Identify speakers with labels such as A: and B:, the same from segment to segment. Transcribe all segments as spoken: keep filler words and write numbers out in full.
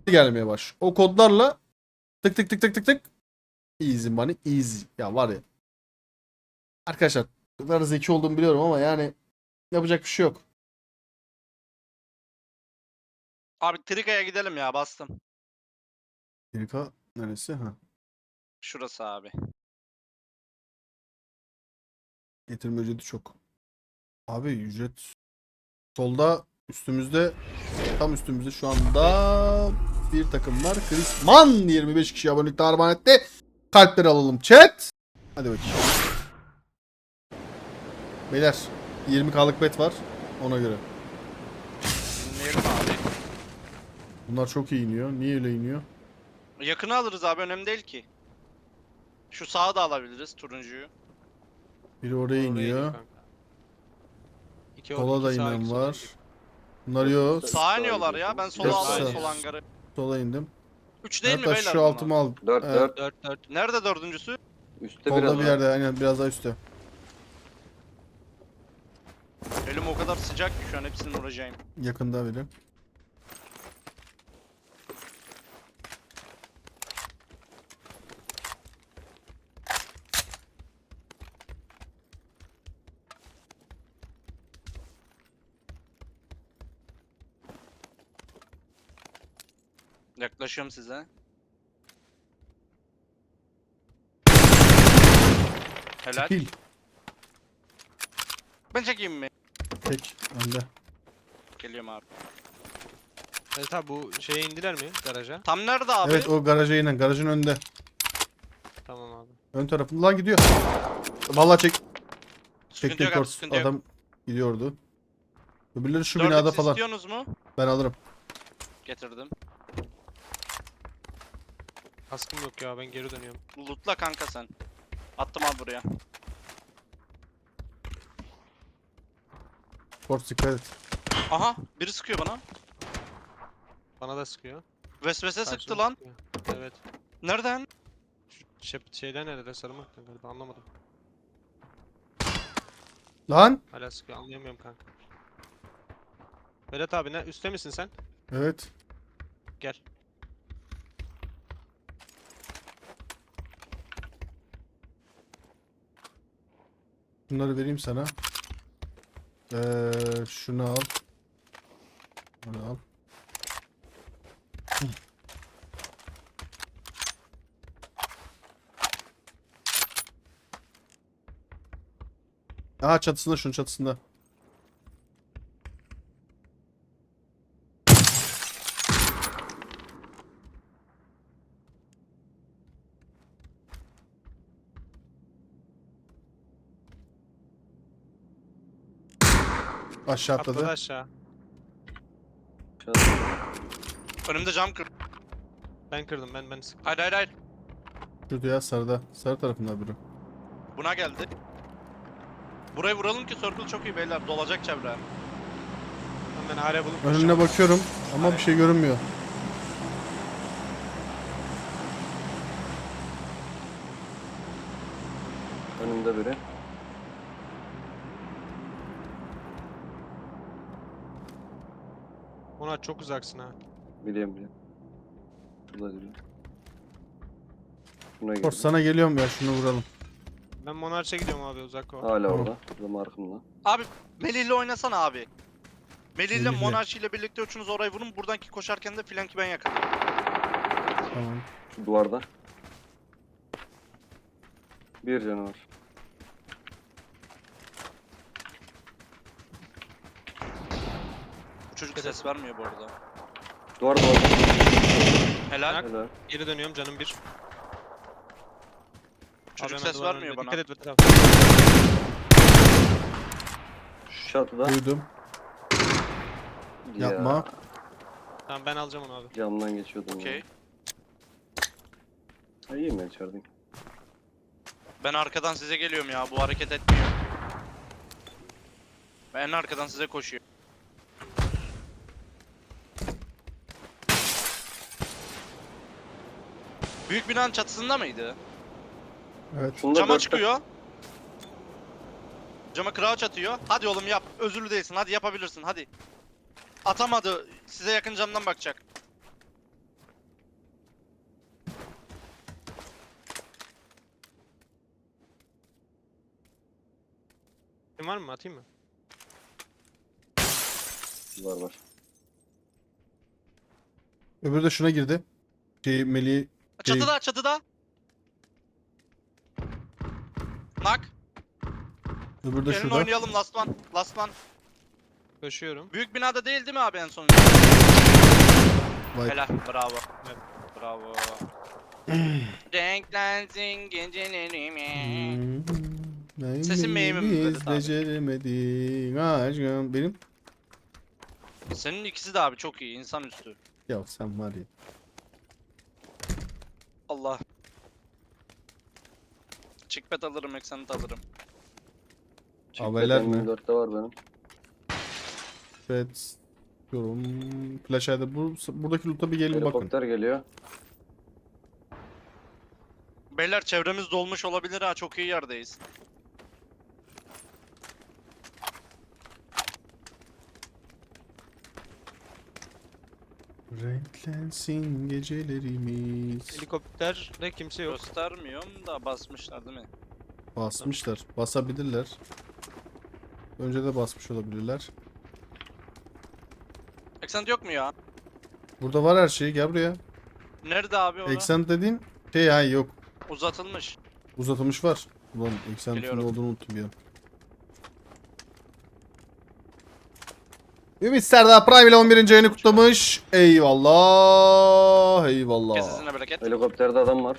A: gelmeye baş. O kodlarla tık tık tık tık tık tık. Easy money easy. Ya var ya. Arkadaşlar ne kadar zeki olduğumu biliyorum ama yani yapacak bir şey yok.
B: Abi Trika'ya gidelim ya, bastım.
A: Amerika neresi? Ha.
B: Şurası abi.
A: Getirme ücreti çok. Abi ücret solda üstümüzde, tam üstümüzde şu anda bir takım var. Krisman yirmi beş kişi abonelikte armağan etti. Kalpleri alalım chat. Hadi bakayım. Beyler yirmi kalık bet var ona göre.
B: Dinleyelim abi.
A: Bunlar çok iyi iniyor. Niye öyle iniyor?
B: Yakını alırız abi, önemli değil ki. Şu sağı da alabiliriz, turuncuyu.
A: Biri oraya
C: Oraya iniyor
A: iniyor.
C: kanka. İki or-
A: Sola
C: iki
A: da
C: sağ,
A: inen
C: iki sola
A: var.
C: iniyor.
A: Bunlar yok.
D: Sağa
B: Sağa iniyorlar ya, ben
D: gidiyorsunuz.
B: sola
A: Dört
B: aldım,
A: sağ.
B: sol hangarı.
A: Sola indim.
B: üç değil mi
A: Hatta
B: beyler
A: şu
B: bunlar?
A: altımı al.
D: Dört
A: Evet,
D: dört.
C: Dört dört.
B: Nerede dördüncüsü?
D: Üstte
A: Solda
D: biraz
A: bir
D: var.
A: yerde, aynen biraz daha üstte.
B: Elim o kadar sıcak ki şu an hepsini vuracağım.
A: Yakında biri.
B: Yaklaşıyorum size. Helal.
A: Pil.
B: Ben çekeyim mi?
A: Tek önde.
B: Geliyorum abi.
C: Evet abi, bu şeye indiler mi garaja?
B: Tam nerede abi?
A: Evet o garaja inen. Garajın önünde.
C: Tamam abi.
A: Ön tarafından gidiyor. Vallahi çek.
B: Sıkıntı
A: Çektim
B: yok abi,
A: kors.
B: sıkıntı yok.
A: Adam gidiyordu. Öbürleri şu
B: dört
A: binada
B: X
A: falan.
B: istiyorsunuz mu?
A: Ben alırım.
B: Getirdim.
C: Kaskım yok ya, ben geri dönüyorum.
B: Lootla kanka sen. Attım abi buraya.
A: Kors dikkat et.
B: Aha, biri sıkıyor bana.
C: Bana da sıkıyor.
B: Vesvese sıktı
C: Karşıma
B: lan.
C: sıkıyor. Evet.
B: Nereden?
C: Şu şey, şeyden nerede? Sarımaktan galiba, anlamadım.
A: Lan.
C: Hala sıkıyor, anlayamıyorum kanka. Vedat abi, ne üstte misin sen?
A: Evet.
C: Gel.
A: Bunları vereyim sana. Ee, şunu al. Bunu al. Hı. Aha çatısında, şunun çatısında. Aşağı
C: Atladı
A: atladı.
C: aşağı.
B: Önümde cam kır.
C: Ben kırdım, ben ben sıktım.
B: Hayır hayır hayır.
A: Şurada ya, sarıda. Sarı tarafında biri.
B: Buna geldi. Burayı vuralım ki circle çok iyi beyler. Dolacak çevre.
C: Ben araya bulup
A: Önüne
C: koşacağım.
A: bakıyorum ama bir şey görünmüyor.
D: Önümde biri.
C: Ona çok uzaksın ha.
D: Biliyorum biliyorum. Şurada biri. Şuna girdi.
A: Kors sana geliyorum ya, şunu vuralım.
C: Ben Monarch'a gidiyorum abi, uzak o.
D: Hala
A: Tamam.
D: orada. Burada markımda.
B: Abi Melih'le oynasana abi. Melih'le
A: Melih'le.
B: Monarch ile birlikte üçünüz orayı vurun. Buradanki koşarken de flanki ben yakalayayım.
A: Tamam.
D: Şu duvarda. Bir canavar.
B: Bu çocuk ses vermiyor bu arada.
D: Duvar duvar.
B: Helal.
C: Nak.
D: Helal.
C: Geri dönüyorum, canım bir.
B: Çocuk
C: Abi hemen
B: ses
C: duvarın
B: vermiyor
C: önünde.
B: bana.
C: Dikkat et Vedat abi.
D: Şu çatıda.
A: Duydum.
D: Ya,
A: Yapma.
C: Tamam, ben alacağım onu abi.
D: Camdan geçiyordum.
B: Okey.
D: ya. Ha, iyi mi içerideyim?
B: Ben arkadan size geliyorum ya. Bu hareket etmiyor. Ben en arkadan size koşuyor. Büyük binanın çatısında mıydı?
A: Evet.
D: Şunu da
B: Cama
D: dörtte-
B: çıkıyor. Cama crouch atıyor. Hadi oğlum yap. Özürlü değilsin. Hadi yapabilirsin. Hadi. Atamadı. Size yakın camdan bakacak.
C: Kim var mı? Atayım mı?
D: Var var.
A: Öbürü de şuna girdi. Şey Melih. Şey,
B: Çatıda çatıda. Nak.
A: öbürü de
B: Gelin
A: şurada.
B: oynayalım last one. Last one.
C: Koşuyorum.
B: Büyük binada değil değil mi abi en son?
A: Vay.
B: Helal. Bravo.
C: Evet.
B: Bravo. Renklensin gecelerimi.
A: Hmm.
B: Sesin meyimi mi böyle
A: Biz
B: tabi?
A: beceremedik aşkım. Benim.
B: Senin ikisi de abi çok iyi. İnsanüstü.
A: Ya sen var ya.
B: Allah. Chickpad alırım, Exant alırım.
A: Haberler mi?
D: dörtte var benim.
A: Evet. Yorum. Flash ayda. Bu, buradaki loot'a bir gelin bakın.
D: Helikopter geliyor.
B: Beyler çevremiz dolmuş olabilir ha. Çok iyi yerdeyiz.
A: Renklensin gecelerimiz.
C: Helikopterde kimse yok.
B: Göstermiyorum da basmışlar değil mi?
A: Basmışlar. Basabilirler. Önce de basmış olabilirler.
B: Exant yok mu ya?
A: Burada var her şey. Gel buraya.
B: Nerede abi o?
A: Exant dediğin şey ha yok.
B: Uzatılmış.
A: Uzatılmış var. Ulan Exant'ın ne
B: Geliyorum.
A: olduğunu unuttum ya. Ümit Serdar Prime ile on birinci ayını kutlamış. Eyvallah. Eyvallah.
B: Kesesine bereket.
D: Helikopterde adam var.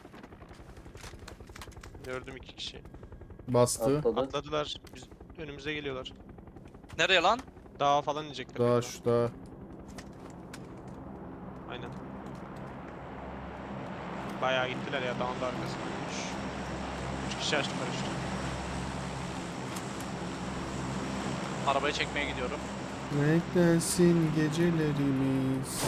C: Gördüm iki kişi.
A: Bastı.
D: Atladı.
C: Atladılar. Biz önümüze geliyorlar.
B: Nereye lan?
C: Dağa falan inecekler.
A: Daha
C: galiba.
A: şu daha.
C: Aynen. Bayağı gittiler ya dağın da arkasına. Üç, üç kişi açtılar işte.
B: Arabayı çekmeye gidiyorum.
A: Renklensin gecelerimiz.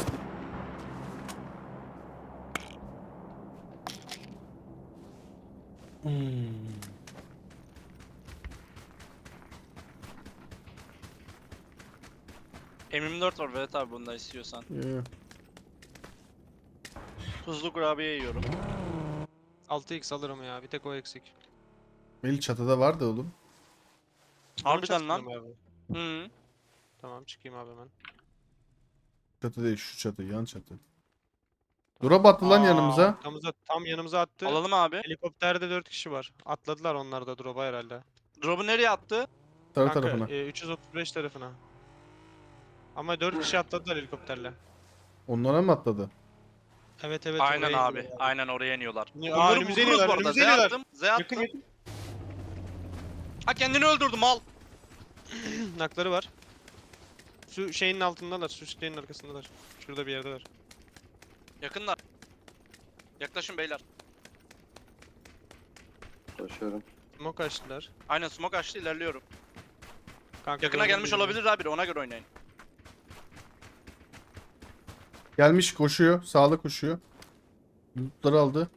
A: Hmm.
B: M yirmi dört var Vedat abi bunda istiyorsan.
A: Yeah.
B: Tuzlu kurabiye yiyorum.
C: altı x alırım ya. Bir tek o eksik.
A: Melih çatıda vardı oğlum.
B: Harbiden lan.
C: Çatışmıyor mu abi?
B: Hı.
C: Tamam çıkayım abi hemen.
A: Çatı değil şu çatı yan çatı. Drop attı lan
B: Aa.
A: yanımıza.
C: Arkamıza, tam yanımıza attı.
B: Alalım abi.
C: Helikopterde dört kişi var. Atladılar onlar da drop'a herhalde.
B: Drop'u nereye attı?
A: Tarı
C: Kanka
A: tarafına.
C: e, üç yüz otuz beş tarafına. Ama dört kişi atladılar helikopterle.
A: Onlara mı atladı?
C: Evet evet.
B: Aynen
C: oraya
B: abi.
C: iniyorlar.
B: Aynen oraya iniyorlar.
C: Aa,
B: Bunları
C: önümüze
B: vururuz
C: iniyorlar,
B: bu arada.
C: önümüze
B: Z
C: iniyorlar.
B: attım. Z attım.
C: Yakın yakın.
B: Ha kendini öldürdü mal.
C: Nakları var. Su şeyinin altındalar. Su şeyinin arkasındalar. Şurada bir yerdeler.
B: Yakınlar. Yaklaşın beyler.
D: Koşuyorum.
C: Smoke açtılar.
B: Aynen smoke açtı ilerliyorum.
C: Kanka
B: Yakına
C: gördüm
B: gelmiş
C: birini.
B: olabilir abi ona göre oynayın.
A: Gelmiş koşuyor. Sağda koşuyor. Lootları aldı.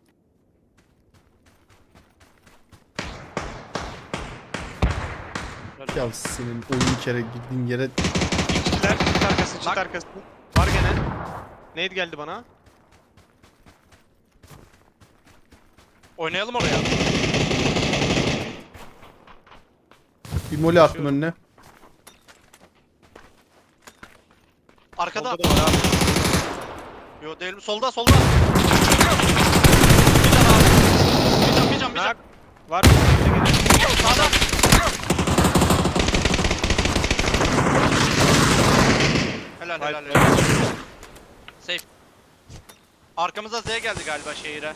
A: Ya senin oyun kere gittiğin yere
C: Çitler, çit arkası, çit
B: Nak.
C: arkası. Var gene. Nade geldi bana.
B: Oynayalım oraya.
A: bir moli attım
C: Koşuyorum.
A: önüne.
B: Arkada.
C: Solda da var abi.
B: Yo değil mi? Solda solda. Bir can abi. Bir can bir can bir can.
C: Nak. Var. Önümüze geliyor.
B: Sağda. Helal
C: Vay
B: helal
C: be.
B: helal. Safe. Arkamıza Z geldi galiba şehire.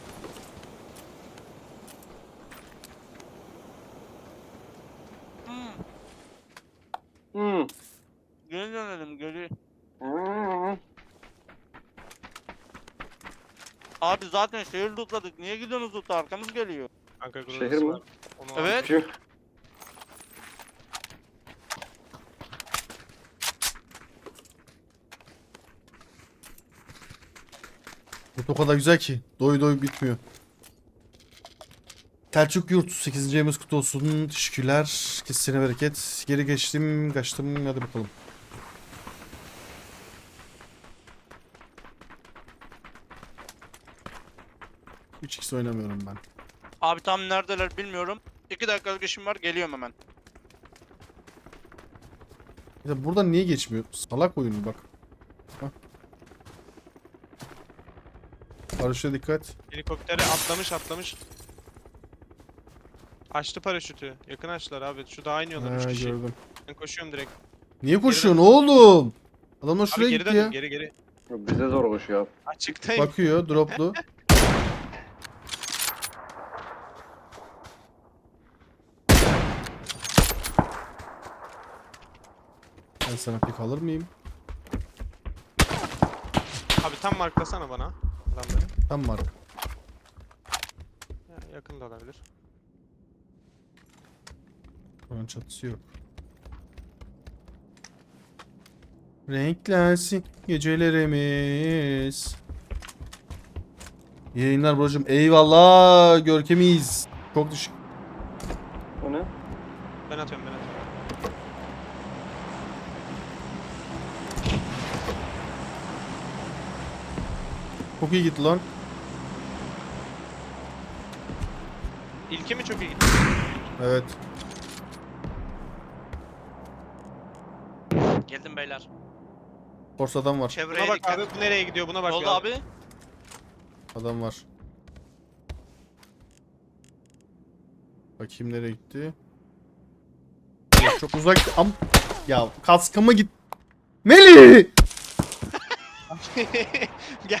B: Hmm.
D: Hmm.
B: Geri dönelim geri.
D: Hmm.
B: Abi zaten şehir lootladık. Niye gidiyorsunuz lootla? Arkamız geliyor.
C: Kanka
D: Şehir
C: Grozası
D: mi?
C: var. Onu
B: Evet.
C: aldım.
D: Şu.
A: Loot o kadar güzel ki. Doy doy bitmiyor. Selçuk Yurt sekizinci ayımız kutlu olsun. Teşekkürler. Kesine bereket. Geri geçtim. Kaçtım. Hadi bakalım. üç x oynamıyorum ben.
B: Abi tam neredeler bilmiyorum. iki dakikalık işim var, geliyorum hemen.
A: Ya buradan niye geçmiyor? Salak oyunu bak. Hah. Paraşüte dikkat.
C: Helikoptere atlamış atlamış. Açtı paraşütü. Yakın açtılar abi. Şu dağa iniyorlar üç
A: Ha,
C: kişi.
A: gördüm.
C: Ben koşuyorum direkt.
A: Niye koşuyorsun oğlum? Adamlar
C: Abi
A: şuraya
C: geri
A: gitti
C: döndüm
A: ya.
C: geri geri.
D: Bize zor koşuyor abi.
C: Açıktayım.
A: Bakıyor droplu. Ben sana pik alır mıyım?
C: Abi tam marklasana bana adamları.
A: Tam mark.
C: Ya, yakın da olabilir.
A: Onun çatısı yok. Renklensin gecelerimiz. İyi yayınlar brocum. Eyvallah görkemiyiz. Çok düşük.
D: O ne?
C: Ben atıyorum ben atıyorum.
A: Çok iyi gitti lan.
C: İlki mi çok iyi gitti?
A: Evet.
B: Geldim beyler.
A: Force adam var.
B: Çevreye
C: Buna bak
B: dikkat.
C: abi bu nereye gidiyor buna bak
B: Ne oldu
C: ya.
B: abi?
A: Adam var. Bakayım nereye gitti. Ya çok uzak. Am ya kaskıma git. Melih!
C: Gel.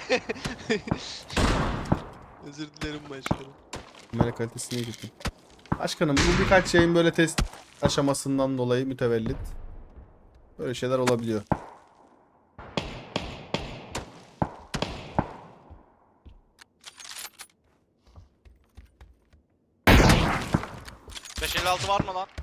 C: Özür dilerim başkanım.
A: Kamera kalitesine gittim. Başkanım bu birkaç şeyin böyle test aşamasından dolayı mütevellit. Böyle şeyler olabiliyor.
B: beş elli altı var mı lan?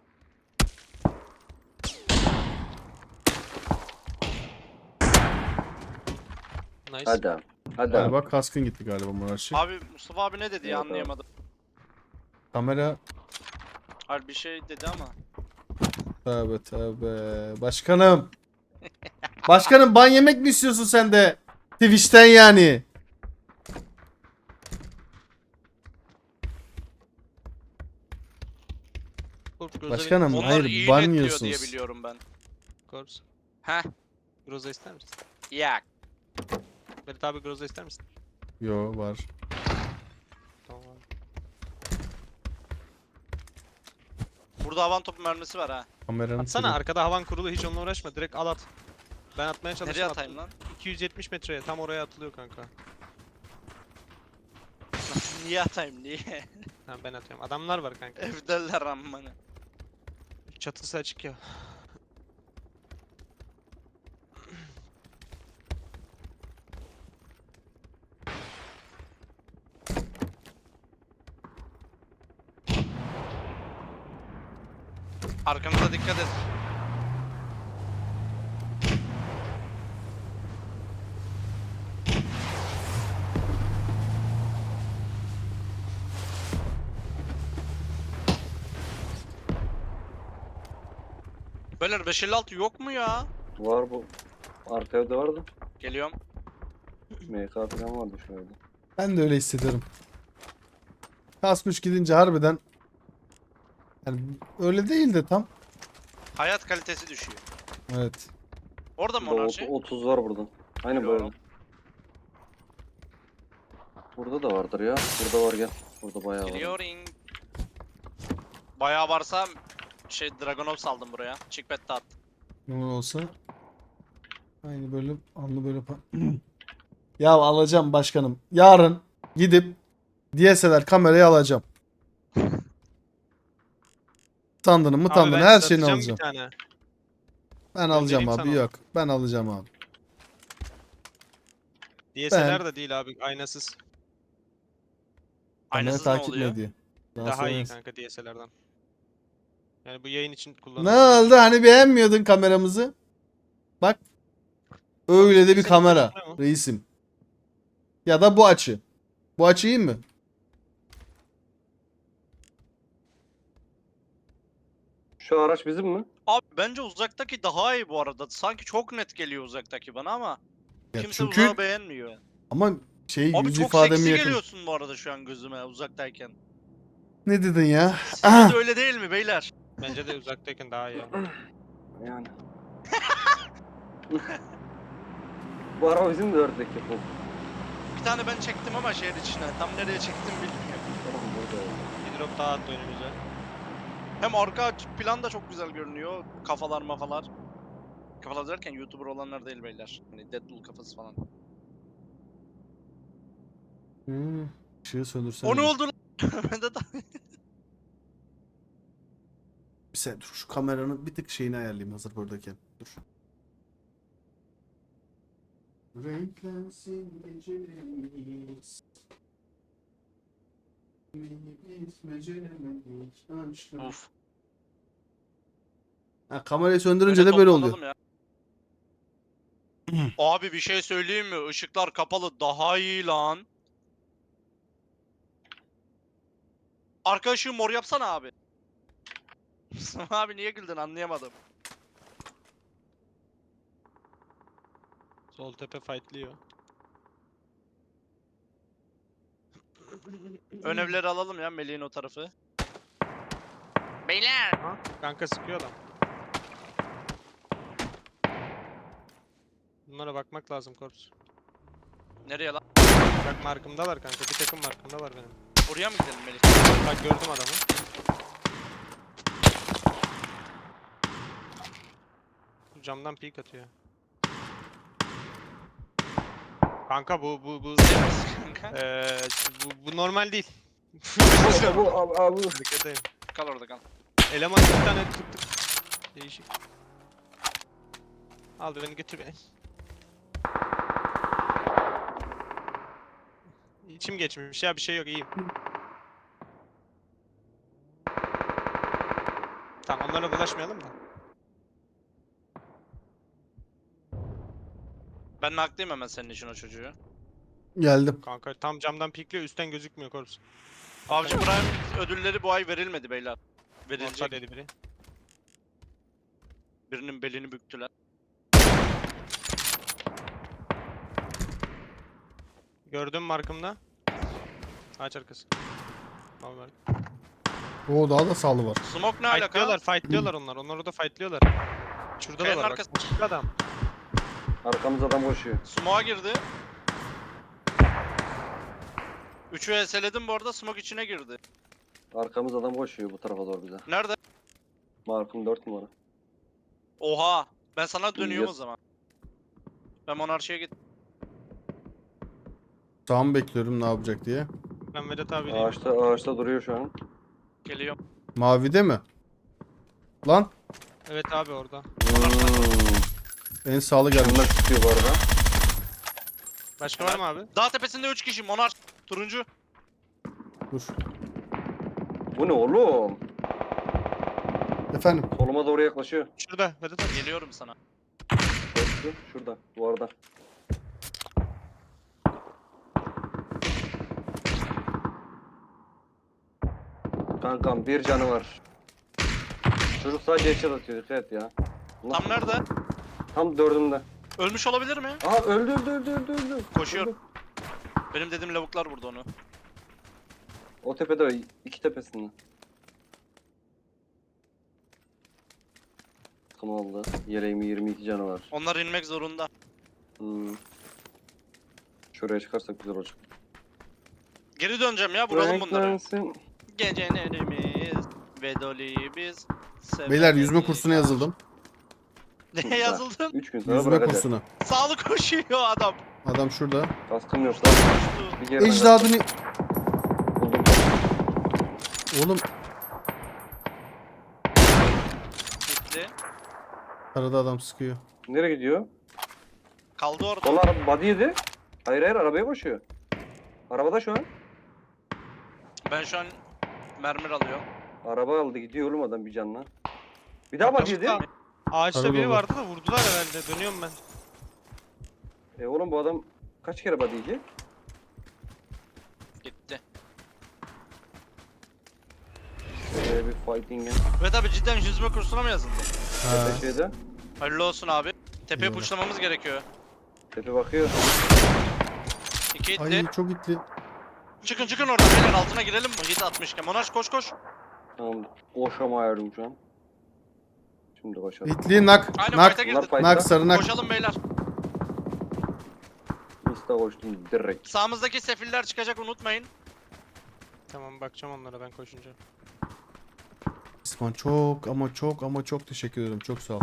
C: Nice.
D: Hadi abi. Hadi abi.
A: Galiba kaskın gitti galiba Muratçı.
B: Abi Mustafa abi ne dedi ya,
D: Evet abi.
B: anlayamadım.
A: Kamera
B: Hayır bir şey dedi ama.
A: tövbe tövbe. Başkanım. Başkanım ban yemek mi istiyorsun sen de? Twitch'ten yani.
C: Kork, Groza
A: Başkanım
B: Onlar
A: hayır
B: iyi
A: ban
B: netliyor diye
A: yiyorsunuz.
B: biliyorum ben.
C: Korps.
B: Heh.
C: Groza ister misin?
B: Ya.
C: Berit abi Groza ister misin?
A: Yo var.
C: Tamam abi.
B: Burada havan topu mermisi var ha.
A: Kameranın
C: Atsana
A: sürü-
C: arkada havan kurulu hiç onunla uğraşma direkt al at. Ben atmaya çalıştım.
B: Nereye
C: attım.
B: atayım lan?
C: iki yüz yetmiş metreye tam oraya atılıyor kanka.
B: Niye atayım niye?
C: Tamam ben atıyorum. Adamlar var kanka.
B: Evdeler ammanı.
C: Çatısı açık ya.
B: Arkamıza dikkat et. Beyler beş elli altı yok mu ya?
D: Var bu. Arka evde vardı.
B: Geliyorum.
D: M K falan vardı şöyle.
A: Ben de öyle hissediyorum. Kasmış gidince harbiden yani öyle değil de tam.
B: Hayat kalitesi düşüyor.
A: Evet.
B: Orada mı
D: Burada
B: onlar
D: ot-
B: şey?
D: otuz var burada. Aynen böyle.
B: Biliyorum.
D: Burada da vardır ya. Burada var gel. Burada bayağı var.
B: Geliyorum. Bayağı varsa şey Dragonov saldım buraya. Chickpad de attım.
A: Ne olsa aynı böyle anlı böyle pa- Ya alacağım başkanım. Yarın gidip D S L R kamerayı alacağım. Tandını mı
C: Abi
A: tandını
C: ben
A: her
C: size
A: şeyini
C: atacağım
A: alacağım.
C: Bir tane.
A: Ben alacağım
C: Göndereyim
A: abi
C: sana.
A: yok. Ben alacağım abi.
C: D S L R da değil abi aynasız.
A: Kamera
B: Aynasız ne
A: takip mi
B: oluyor?
A: ediyor? Daha
C: Daha
A: sonra-
C: iyi kanka D S L R'dan. Yani bu yayın için
A: Ne
C: kullanılıyor.
A: oldu hani beğenmiyordun kameramızı? Bak. Öyle de bir
C: Senin
A: kamera
C: kamera mı?
A: reisim. Ya da bu açı. Bu açı iyi mi?
D: Şu araç bizim mi?
B: Abi bence uzaktaki daha iyi bu arada. Sanki çok net geliyor uzaktaki bana ama
A: Ya
B: kimse
A: çünkü
B: uzağı beğenmiyor.
A: ama şey
B: Abi
A: yüz
B: çok
A: ifademi
B: seksi
A: yakın.
B: geliyorsun bu arada şu an gözüme uzaktayken.
A: Ne dedin ya?
B: Sizce de öyle değil mi beyler?
C: Bence de uzaktayken daha iyi.
D: Yani. Bu araba bizim de ördek yapalım.
B: Bir tane ben çektim ama şehir içine. Tam nereye çektim bilmiyorum.
D: Tamam burada.
C: Bir drop daha attı önümüze.
B: Hem arka plan da çok güzel görünüyor. Kafalar mafalar. Kafalar derken YouTuber olanlar değil beyler. Hani Deadpool kafası falan.
A: Hmm. Işığı söndürsene.
B: O ne oldu lan? Ben de ta-
A: Bir saniye dur şu kameranın bir tık şeyini ayarlayayım hazır buradayken. Dur. Renklensin gecelerimiz. Biz beceremedik aşkım.
B: Uf.
A: Ha, kamerayı söndürünce
B: Öyle
A: de böyle oluyor.
B: toplanalım ya. Abi bir şey söyleyeyim mi? Işıklar kapalı daha iyi lan. Arka ışığı mor yapsana abi. Abi niye güldün anlayamadım.
C: Sol tepe fightlıyor.
B: Ön evleri alalım ya Melih'in o tarafı. Beyler.
C: Ha? Kanka sıkıyor adam. Bunlara bakmak lazım korps.
B: Nereye lan?
C: Bak markımdalar kanka. Bir takım markımda var benim.
B: Oraya mı gidelim Melih?
C: Bak gördüm adamı. Camdan peek atıyor. Kanka bu bu bu
B: Kanka.
C: eee bu, bu normal değil.
D: Bu abi abi.
C: Dikkatteyim.
B: Kal orada kal.
C: Eleman bir tane tık tık. Değişik. Al beni götür beni. İçim geçmiş ya bir şey yok iyiyim. Tamam onlara bulaşmayalım da.
B: Ben nakliyim hemen senin için o çocuğu.
A: Geldim.
C: Kanka tam camdan pikliyor üstten gözükmüyor korps.
B: Avcı Prime ödülleri bu ay verilmedi beyler.
C: Monster
B: Verilecek.
C: dedi biri.
B: Birinin belini büktüler.
C: Gördüm markımda. Ağaç arkası. Normal.
A: Oo daha da sağlı var.
B: Smoke ne alaka?
C: Fightlıyorlar, fightlıyorlar onlar. Onlar orada fightlıyorlar. Şurada da
B: Kayanın
C: var bak.
B: arkası-
C: Çıktı adam.
D: Arkamız adam koşuyor.
B: Smoke'a girdi. Üçü eseledim bu arada smoke içine girdi.
D: Arkamız adam koşuyor bu tarafa doğru bize.
B: Nerede?
D: Markım dört numara.
B: Oha. Ben sana dönüyorum o
D: Yes.
B: zaman. Ben monarşiye git.
A: Sağ mı bekliyorum ne yapacak diye.
C: Ben Vedat abiyleyim.
D: Ağaçta ağaçta duruyor şu an.
B: Geliyorum.
A: Mavide mi? Lan
C: Evet abi orada.
D: Hmm.
A: en sağlı gelmiş.
D: Bunlar çıkıyor bu arada.
C: Başka var mı abi?
B: Dağ tepesinde üç kişi monarş. Turuncu.
A: Dur.
D: Bu ne oğlum?
A: Efendim.
D: Soluma doğru yaklaşıyor.
C: Şurada Vedat abi.
B: Geliyorum sana.
D: Koştu. Şurada. Duvarda. Kankam bir canı var. Çocuk sadece headshot atıyor. Dikkat et ya. Allah-
B: Tam nerede?
D: Tam dördümde.
B: Ölmüş olabilir mi?
D: Aa öldü öldü öldü öldü öldü.
B: Koşuyor.
D: Öldü.
B: Benim dediğim lavuklar vurdu onu.
D: O tepede o, iki tepesinde. Takım aldı. Yeleğimi yirmi iki canı var.
B: Onlar inmek zorunda.
D: Hmm. Şuraya çıkarsak güzel olacak.
B: Geri döneceğim ya vuralım bunları.
D: Renklensin.
B: Gecelerimiz ve doli biz.
A: Beyler yüzme kursuna yazıldım.
B: Neye yazıldın?
D: üç gün sonra
A: Yüzme
D: bırakacak.
A: kursuna.
B: Sağlık koşuyor adam.
A: Adam şurada.
D: Kaskım yok lan.
B: Koştu.
D: Bir kere
A: Ecdadını...
D: buldum.
A: Oğlum
B: Gitti.
A: arada adam sıkıyor.
D: Nereye gidiyor?
B: Kaldı orada.
D: Sol araba body yedi. Hayır hayır arabaya koşuyor. Arabada şu an.
B: Ben şu an mermer alıyorum.
D: Araba aldı gidiyor oğlum adam bir canla. Bir daha body yedi.
C: Başka- Ağaçta
A: Arada
C: biri
A: olur.
C: vardı da vurdular herhalde. Dönüyorum ben.
D: E oğlum bu adam kaç kere body yiyecek?
B: Gitti.
D: Şöyle bir fighting'e.
B: Ve tabi cidden yüzme kursuna mı yazıldı?
A: Ha.
D: Tepe şeyde.
B: Hayırlı olsun abi. Tepeye
A: Eyvallah.
B: puşlamamız gerekiyor.
D: Tepe bakıyor.
B: İki itli.
A: Ay çok itli.
B: Çıkın çıkın oradan beyler, altına girelim mi? Hit atmışken. Monarş koş koş.
D: Tamam. Koşamıyorum şu an. Şimdi koşalım.
A: Hitli nak.
B: Aynen
A: Nak.
B: fight'a
D: Bunlar
B: girdi.
D: fight'ta.
A: Nak sarı nak.
B: Koşalım beyler.
D: Insta koştum direkt.
B: Sağımızdaki sefiller çıkacak, unutmayın.
C: Tamam bakacağım onlara ben koşunca.
A: İsmail çok ama çok ama çok teşekkür ederim. Çok sağ ol.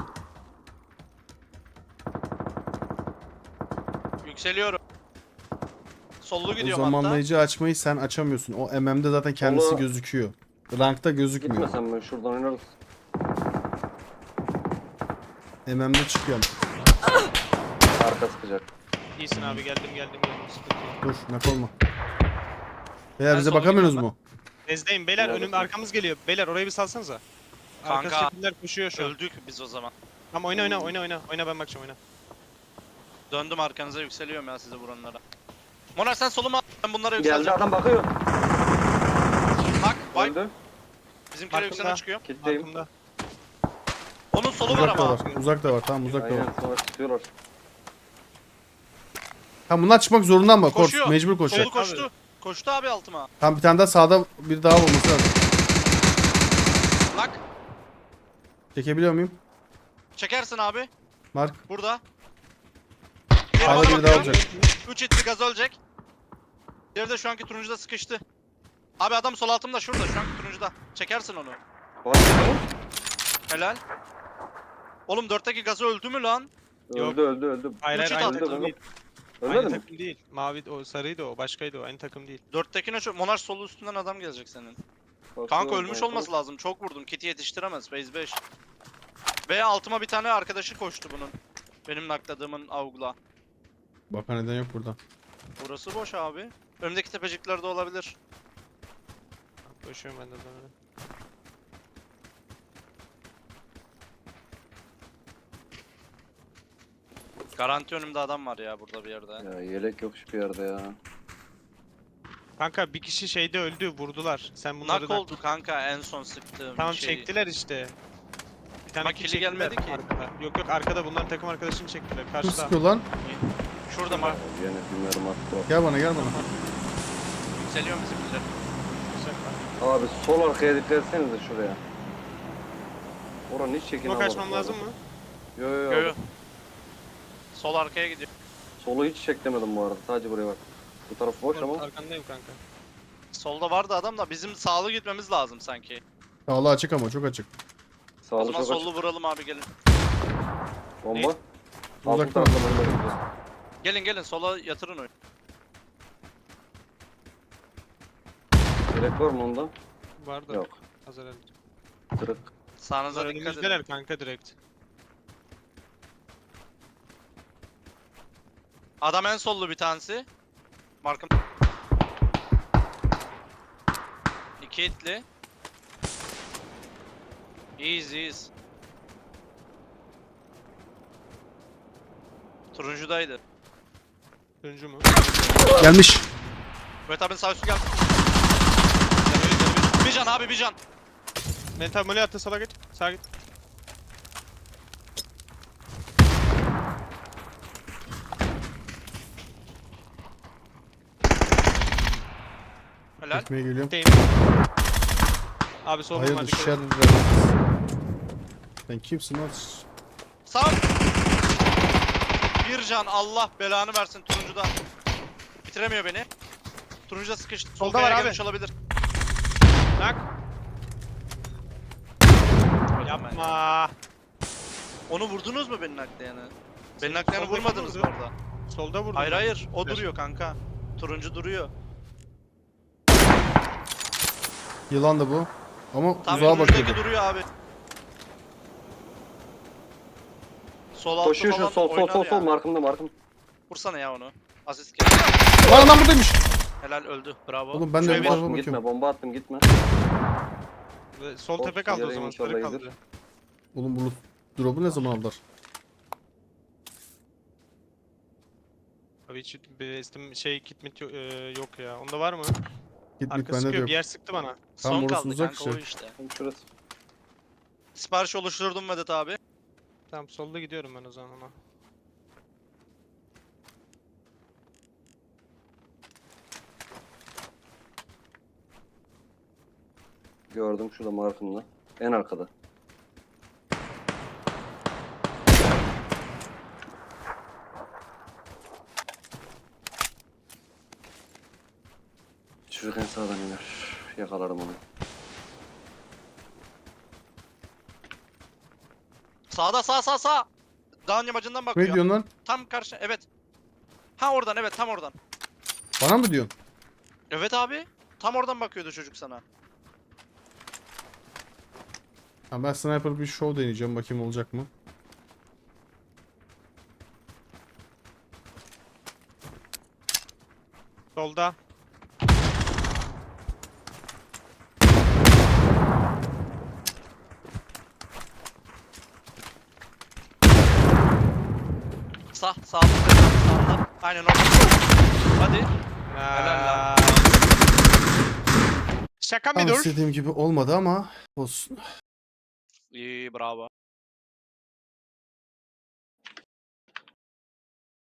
B: Yükseliyorum. Sollu
A: O
B: gidiyorum hatta.
A: zamanlayıcı açmayı sen açamıyorsun. O M M'de zaten kendisi
D: Onu-
A: gözüküyor. Rankta gözükmüyor.
D: Gitmesem ben şuradan oynarız.
A: M M'de çıkıyor.
D: Arka sıkacak.
C: İyisin abi geldim geldim geldim. Sıkıntı yok.
A: Dur nak olma. Beyler
B: Ben
A: bize
B: sola
A: bakamıyorsunuz
B: gidiyorum
A: mu?
C: Nezdeyim beyler
D: Neredesin?
C: önüm arkamız geliyor. Beyler orayı bir salsanıza. Arka
B: Kanka,
C: şekiller koşuyor şu an.
B: Öldük biz o zaman.
C: Tamam oyna oyna oyna oyna. Oyna ben bakacağım oyna.
B: Döndüm arkanıza, yükseliyorum ya size vuranlara. Monarş sen soluma at, ben bunlara
D: Geldi
B: yükseleceğim.
D: adam bakıyor.
B: Bak bak,
D: Öldü.
B: bizimkiler
C: Arkamda.
B: yükselen çıkıyor.
D: Kitleyim.
C: Arkamda.
B: Onun solu var
A: Uzak da
B: ama.
A: var. Uzak da var. Tamam uzak da var.
D: Aynen sonra tutuyorlar.
A: Tamam bunlar çıkmak zorunda ama Kors
B: Koşuyor.
A: mecbur koşacak.
B: Solu koştu. Koştu abi altıma.
A: Tamam bir tane daha sağda bir daha olması lazım.
B: Lak.
A: Çekebiliyor muyum?
B: Çekersin abi.
A: Mark.
B: Burada.
A: Sağda biri daha olacak.
B: üç hitli gaz ölecek. Diğeri de şu anki turuncuda sıkıştı. Abi adam sol altımda şurada, şu anki turuncuda. Çekersin onu.
D: Var mı?
B: Helal. Oğlum dörtteki gazı öldü mü lan?
C: Yok.
D: Öldü öldü öldü.
C: Hayır hayır
B: Uçut
C: aynı
B: attı.
C: takım değil.
D: Ölmedi
C: Aynı
D: mi?
C: takım değil. Mavi o sarıydı o başkaydı o aynı takım değil.
B: Dörttekine çok... Monarş solu üstünden adam gelecek senin.
D: Bakıyorum,
B: Kanka ölmüş
D: bakıyorum.
B: olması lazım. Çok vurdum. Kit'i yetiştiremez. Phase beş. Ve altıma bir tane arkadaşı koştu bunun. Benim nakladığımın avgula.
A: Baka neden yok burada.
B: Burası boş abi. Önümdeki tepeciklerde olabilir.
C: Koşuyorum ben de böyle.
B: Garanti önümde adam var ya burada bir yerde.
D: Ya yelek yok hiçbir yerde ya.
C: Kanka bir kişi şeyde öldü vurdular. Sen bunları
B: Nak
C: da...
B: oldu kanka en son sıktığım
C: Tamam
B: şey.
C: çektiler işte. Bir tane
B: Ama
C: kill
B: kili
C: çektiler
B: gelmedi ki.
C: arkada. Yok yok arkada bunların takım arkadaşını çektiler
A: Kim
C: karşıda.
A: sıkıyor lan?
B: Şurada mı?
D: Yine bilmiyorum attı.
A: Gel bana gel bana.
B: Yükseliyor bizimkiler.
D: Abi sol arkaya dikkat etsenize şuraya. Oranın hiç çekin
C: Smoke açmam lazım mı?
D: Yo yo
B: Yo
D: yo.
B: yo. Sol arkaya gidiyor.
D: Solu hiç çeklemedim bu arada. Sadece buraya bak. Bu taraf boş ama.
C: Arkandayım kanka.
B: Solda vardı adam da bizim sağlı gitmemiz lazım sanki.
A: Sağlı açık ama çok açık.
B: O
D: Sağlı
B: zaman
D: çok
B: sollu
D: açık.
B: vuralım abi, gelin.
D: Bomba. Altın
A: Uzaktan.
D: tarafta bomba gidiyor.
B: Gelin gelin sola yatırın oyun.
D: Yelek var mı onda?
C: Var da.
D: Yok.
C: Hazır elde.
D: Kırık.
B: Sağınıza
C: Bunlar
B: dikkat edin.
C: önümüzdeler kanka direkt.
B: Adam en sollu bir tanesi. Markım. İki hitli. İyiyiz iyiyiz. Turuncudaydı.
C: Turuncu mu?
A: Gelmiş.
B: Evet abinin sağ üstü geldi. Bir can abi, bir can.
C: Mental mole attı sola git. Sağa git.
B: Helal.
A: Çekmeye geliyorum.
C: Deyim. Abi sol
A: Hayır
C: bomba
A: dışarı
C: dikkat et.
A: dediler. Sen kimsin lan?
B: Sağ. Bir can, Allah belanı versin turuncuda. Bitiremiyor beni. Turuncuda sıkıştı. Sol
C: Solda var
B: kayaya
C: abi.
B: gelmiş olabilir.
C: Nak. Yapma.
B: Onu vurdunuz mu benim naklayanı? Benim naklayanı
C: soldaki
B: vurmadınız mı
C: vurdu.
B: orada?
C: Solda vurdum.
B: Hayır
C: ben.
B: hayır, o
C: Ver.
B: duruyor kanka. Turuncu duruyor.
A: Yılan da bu. Ama
B: Tam
A: uzağa
B: turuncudaki
A: bakıyordu.
B: duruyor abi. Sol altı
D: Koşuyor şu
B: falan
D: sol sol
B: oynar
D: sol
B: ya.
D: sol markımda markım.
B: Vursana ya onu. Asist geldi.
A: Lan adam buradaymış.
B: Helal, öldü. Bravo.
A: Oğlum ben de
C: Şöyle
A: bu
C: bir-
A: tarafa
D: Attım, gitme
A: bakıyorum.
D: bomba attım gitme.
C: Ve Sol
D: Olsun,
C: tepe kaldı o
D: yarayım
C: zaman.
D: inşallah
C: Sarı
D: iyidir.
C: kaldı.
A: Oğlum bu drop'u ne zaman aldılar?
C: Abi hiç bir istim şey kit mit yo- e, yok ya. Onda var mı?
A: Git git
C: Arka
A: bende de
C: sıkıyor.
A: yok.
C: Bir yer sıktı bana.
B: Son
A: orası
B: kaldı
A: uzak
B: kanka, o
A: işte.
B: işte.
D: Tam şurası.
B: Sipariş oluşturdum Vedat abi.
C: Tamam solda gidiyorum ben o zaman ona.
D: Gördüm şurada markımda. En arkada. Çocuk en sağdan iner. Yakalarım onu.
B: Sağda sağ sağ sağ. Dağın yamacından bakıyor.
A: Ne diyorsun lan?
B: Tam karşı evet. Ha oradan evet tam oradan.
A: Bana mı diyorsun?
B: Evet abi. Tam oradan bakıyordu çocuk sana.
A: Ha, ben sniper bir show deneyeceğim. Bakayım olacak mı?
C: Solda.
B: Sağ sağ sağda. Aynen orada. Hadi. Helal lan.
C: Aa. Şaka
A: Tam
C: mı dur?
A: istediğim gibi olmadı ama olsun.
B: İyi bravo.